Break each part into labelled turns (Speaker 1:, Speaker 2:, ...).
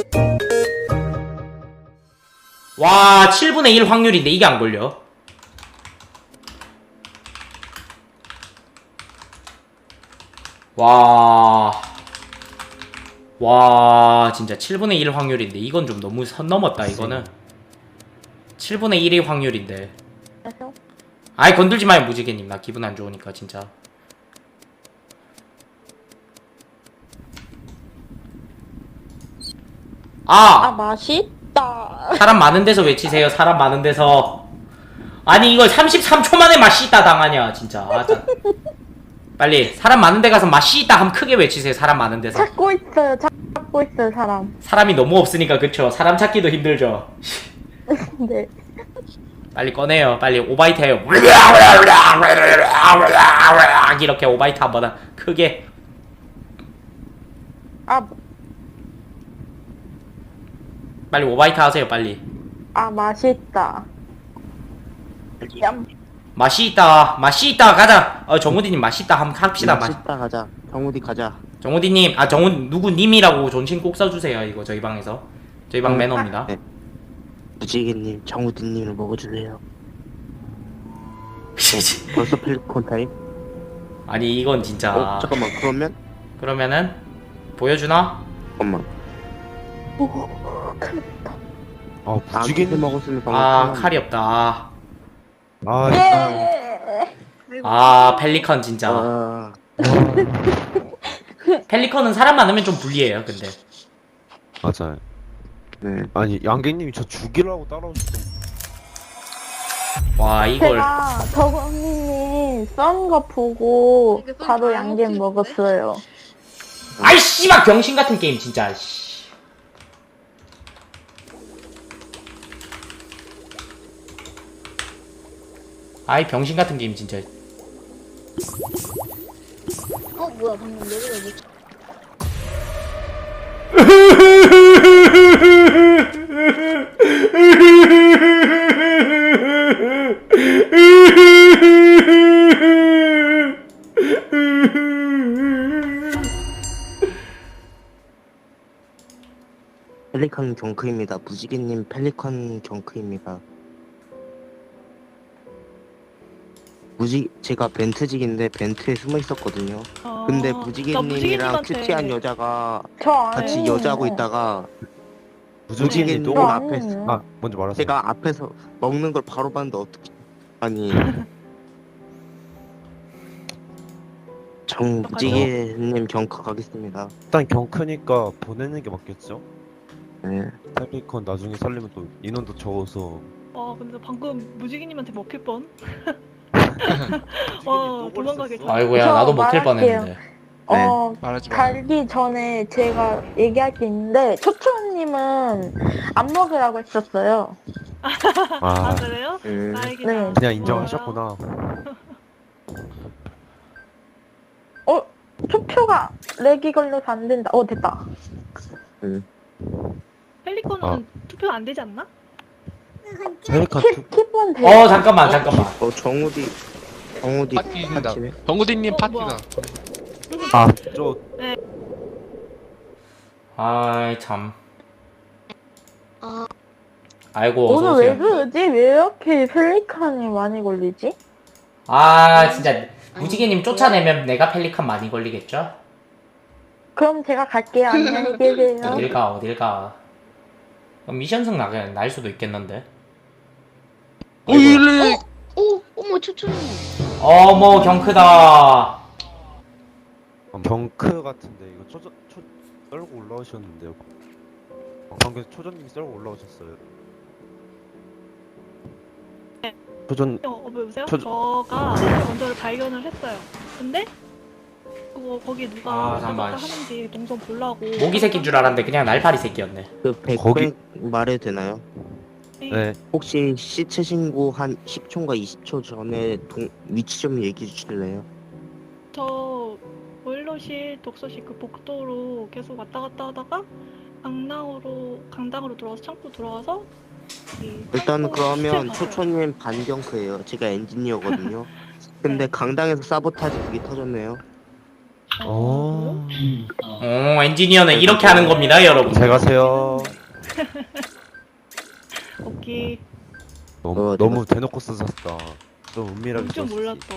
Speaker 1: 와 7분의 1 확률인데 이게 안 걸려. 와 진짜 7분의 1 확률인데 이건 좀 너무 선 넘었다. 이거는 7분의 1의 확률인데. 아이 건들지 마요 무지개님. 나 기분 안 좋으니까 진짜.
Speaker 2: 맛있다.
Speaker 1: 사람 많은 데서 외치세요. 사람 많은 데서. 아니 이걸 33초 만에 맛있다 당하냐 진짜. 빨리 사람 많은 데 가서 맛있다 하면 크게 외치세요. 사람 많은 데서.
Speaker 2: 찾고 있어요, 사람.
Speaker 1: 사람이 너무 없으니까 그쵸. 사람 찾기도 힘들죠.
Speaker 2: 네.
Speaker 1: 빨리 꺼내요. 빨리 오바이트 해요. 이렇게 오바이트 한번 크게. 빨리 오바이트 하세요. 빨리.
Speaker 2: 맛있다. 얌.
Speaker 1: 맛있다 가자. 정우디님 맛있다 한번 합시다.
Speaker 3: 맛있다 가자. 정우디 가자.
Speaker 1: 정우디님 누구 님이라고 존칭 꼭 써주세요. 이거 저희 방에서. 저희 방 매너입니다.
Speaker 3: 네. 무지개님, 정우디님을 먹어주세요. 벌써 펠리콘 타임?
Speaker 1: 아니 이건 진짜.
Speaker 3: 잠깐만
Speaker 1: 그러면은 보여주나?
Speaker 3: 잠깐만. 무지개님 먹었으면
Speaker 1: 칼이 없다.
Speaker 2: 예.
Speaker 1: 펠리컨 진짜. 펠리컨은 사람 많으면 좀 불리해요. 근데
Speaker 4: 맞아요.
Speaker 3: 네.
Speaker 4: 아니 양갱님이 저 죽이라고 따라오시죠.
Speaker 1: 와 이걸
Speaker 2: 제가 덕언니님 썬 거 보고 바로 양갱 먹었어요.
Speaker 1: 아이 씨발 병신 같은 게임 진짜. 아이 병신 같은 게임 진짜.
Speaker 5: 뭐야 방금 내가 못
Speaker 3: 펠리컨 경크입니다. 무지개님 펠리컨 경크입니다. 제가 벤트직인데 벤트에 숨어 있었거든요. 근데 무지개님이랑 큐티한 여자가 같이
Speaker 2: 아니에요.
Speaker 3: 여자하고 있다가
Speaker 4: 무지개님
Speaker 3: 무지개님
Speaker 4: 또
Speaker 2: 아니에요.
Speaker 4: 먼저 말하세요.
Speaker 3: 제가 앞에서 먹는 걸 바로 봤는데 어떻게 아니 무지개님 경크 가겠습니다.
Speaker 4: 일단 경크니까 보내는 게 맞겠죠?
Speaker 3: 네.
Speaker 4: 펠리콘 나중에 살리면 또 인원도 적어서.
Speaker 6: 근데 방금 무지개님한테 먹힐 뻔? 도망가겠다.
Speaker 1: 아이고야
Speaker 2: 저
Speaker 1: 나도 먹힐
Speaker 2: 말할게요.
Speaker 1: 뻔했는데.
Speaker 5: 말하지 마.
Speaker 2: 달기 전에 제가 얘기할 게 있는데 초초님은 안 먹으라고 했었어요.
Speaker 6: 그래요? 다행이다.
Speaker 2: 네.
Speaker 4: 그냥 인정하셨구나.
Speaker 2: 투표가 렉이 걸려서 안 된다. 됐다.
Speaker 6: 펠리콘은 투표 안 되지 않나?
Speaker 4: 펠리콘
Speaker 2: 킵은 돼.
Speaker 1: 잠깐만.
Speaker 3: 정우디
Speaker 5: 파티다.
Speaker 3: 파티네?
Speaker 5: 정우디님 파티다.
Speaker 4: 저
Speaker 1: 아이 참. 아이고
Speaker 2: 오늘 왜
Speaker 1: 어서오세요.
Speaker 2: 그러지? 왜 이렇게 펠리칸이 많이 걸리지?
Speaker 1: 진짜 무지개님 쫓아내면 내가 펠리컨 많이 걸리겠죠?
Speaker 2: 그럼 제가 갈게요. 안녕히 계세요.
Speaker 1: 어딜 가. 그럼 미션승 날 수도 있겠는데.
Speaker 5: 일래. 어머 초초님.
Speaker 1: 어머 경크다.
Speaker 4: 경크 같은데 이거 썰고 올라오셨는데요. 방금 초전님이 썰고 올라오셨어요. 초전
Speaker 6: 여보세요?
Speaker 4: 저-
Speaker 6: 저가 먼저 발견을 했어요. 근데 거기 누가
Speaker 1: 잠깐만.
Speaker 6: 하는지 동선 보려고.
Speaker 1: 모기 새끼인 줄 알았는데 그냥 날파리 새끼였네.
Speaker 3: 그
Speaker 4: 거기-
Speaker 3: 100백 말해도 되나요?
Speaker 4: 네.
Speaker 3: 혹시 시체 신고 한 10초인가 20초 전에 위치 좀 얘기해 주실래요?
Speaker 6: 저 보일러실, 독서실 그 복도로 계속 왔다 갔다 하다가 강당으로 들어와서 창고 들어와서
Speaker 3: 일단 그러면
Speaker 6: 시체
Speaker 3: 초초님 반경크예요. 제가 엔지니어거든요. 근데 강당에서 사보타지 그게 터졌네요.
Speaker 4: 어.
Speaker 1: 엔지니어는 이렇게 하는 겁니다, 여러분.
Speaker 4: 잘 가세요.
Speaker 6: 오케이.
Speaker 4: 너무 대놓고 쓰셨다. 좀 은밀하게
Speaker 6: 좀
Speaker 4: 썼지.
Speaker 6: 몰랐어.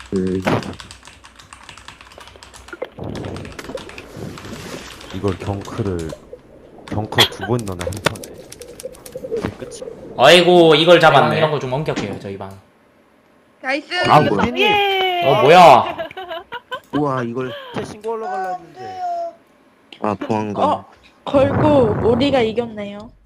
Speaker 4: 이걸 경크 2번 넣네 한 턴에. 이게 끝이.
Speaker 1: 아이고, 이걸 잡았네. 이런 거 좀 엄격해요, 저희 방.
Speaker 5: 나이스.
Speaker 3: 아, 뭐야?
Speaker 6: 예.
Speaker 1: 뭐야?
Speaker 3: 우와, 이걸.
Speaker 4: 신고하러 가려 했는데.
Speaker 3: 아, 보안관.
Speaker 2: 결국 우리가 이겼네요.